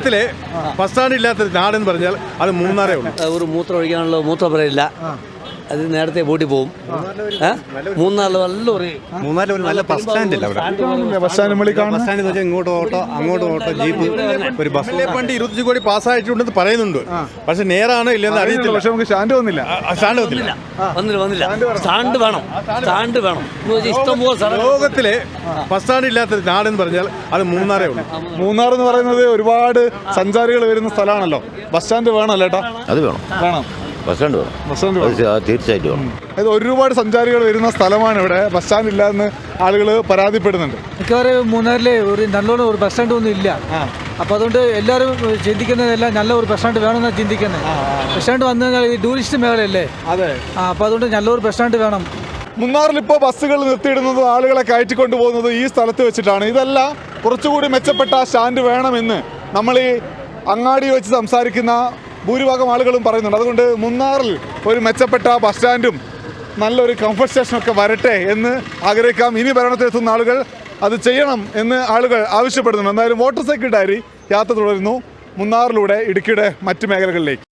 ലോകത്തിലെ bus stand ഇല്ലാത്ത നാടെന്ന് പറഞ്ഞാൽ അത് മൂന്നാറേ ഉള്ളൂ. ഒരു മൂത്രം ഒഴിക്കാനുള്ള മൂത്രപ്പുരയില്ല, അത് നേരത്തെ പൂട്ടി പോകും. മൂന്നാറിൽ നല്ല ബസ് സ്റ്റാൻഡ് ഇല്ല. ബസ് സ്റ്റാൻഡ് വെച്ചാൽ ഇങ്ങോട്ട് ഓട്ടോ അങ്ങോട്ട് ഓട്ടോ ജീപ്പ് ഒരു ബസ്സിലെ പണ്ട് 25 കോടി പാസ്സായിട്ടുണ്ടെന്ന് പറയുന്നുണ്ട്. പക്ഷെ നേരാണ് ഇല്ലെന്ന് അറിയത്തില്ല. പക്ഷെ നമുക്ക് സ്റ്റാൻഡ് വന്നില്ല. സ്റ്റാൻഡ് വേണം. ഇഷ്ടംപോലെ ലോകത്തിലെ ബസ് സ്റ്റാൻഡ് ഇല്ലാത്ത നാടെന്ന് പറഞ്ഞാൽ അത് മൂന്നാറേ ഉള്ളൂ. മൂന്നാർ എന്ന് പറയുന്നത് ഒരുപാട് സഞ്ചാരികൾ വരുന്ന സ്ഥലമാണല്ലോ. ബസ് സ്റ്റാൻഡ് വേണമല്ലോ ഏട്ടാ? അത് വേണം. ബസ് സ്റ്റാൻഡ് വേണം, തീർച്ചയായിട്ടും വേണം. അത് ഒരുപാട് സഞ്ചാരികൾ വരുന്ന സ്ഥലമാണ് ഇവിടെ. ബസ് സ്റ്റാൻഡ് ഇല്ലാന്ന് ആളുകൾ പരാതിപ്പെടുന്നുണ്ട്. മിക്കവാറും മൂന്നാറിലെ ഒരു നല്ലോണം ഒരു ബസ് സ്റ്റാൻഡ് ഒന്നും ഇല്ല. അപ്പോൾ അതുകൊണ്ട് എല്ലാവരും ചിന്തിക്കുന്നതെല്ലാം നല്ല ഒരു ബസ് സ്റ്റാൻഡ് വേണമെന്നാണ് ചിന്തിക്കുന്നത്. ബസ് സ്റ്റാൻഡ് വന്നു കഴിഞ്ഞാൽ ഈ ടൂറിസ്റ്റ് മേഖലയല്ലേ? അതെ. അപ്പോൾ അതുകൊണ്ട് നല്ലൊരു ബസ് സ്റ്റാൻഡ് വേണം. മൂന്നാറിൽ ഇപ്പോൾ ബസ്സുകൾ നിർത്തിയിടുന്നതും ആളുകളെ കയറ്റിക്കൊണ്ടു പോകുന്നതും ഈ സ്ഥലത്ത് വെച്ചിട്ടാണ്. ഇതെല്ലാം കുറച്ചുകൂടി മെച്ചപ്പെട്ട സ്റ്റാൻഡ് വേണമെന്ന് നമ്മൾ ഈ അങ്ങാടി വെച്ച് സംസാരിക്കുന്ന ഭൂരിഭാഗം ആളുകളും പറയുന്നുണ്ട്. അതുകൊണ്ട് മൂന്നാറിൽ ഒരു മെച്ചപ്പെട്ട ബസ് സ്റ്റാൻഡും നല്ലൊരു കംഫർട്ട് സ്റ്റേഷനൊക്കെ വരട്ടെ എന്ന് ആഗ്രഹിക്കാം. ഇനി ഭരണത്തിലെത്തുന്ന ആളുകൾ അത് ചെയ്യണം എന്ന് ആളുകൾ ആവശ്യപ്പെടുന്നുണ്ട്. എന്തായാലും മോട്ടോർ സൈക്കിൾ ഡയറി യാത്ര തുടരുന്നു മൂന്നാറിലൂടെ ഇടുക്കിയുടെ മറ്റു മേഖലകളിലേക്ക്.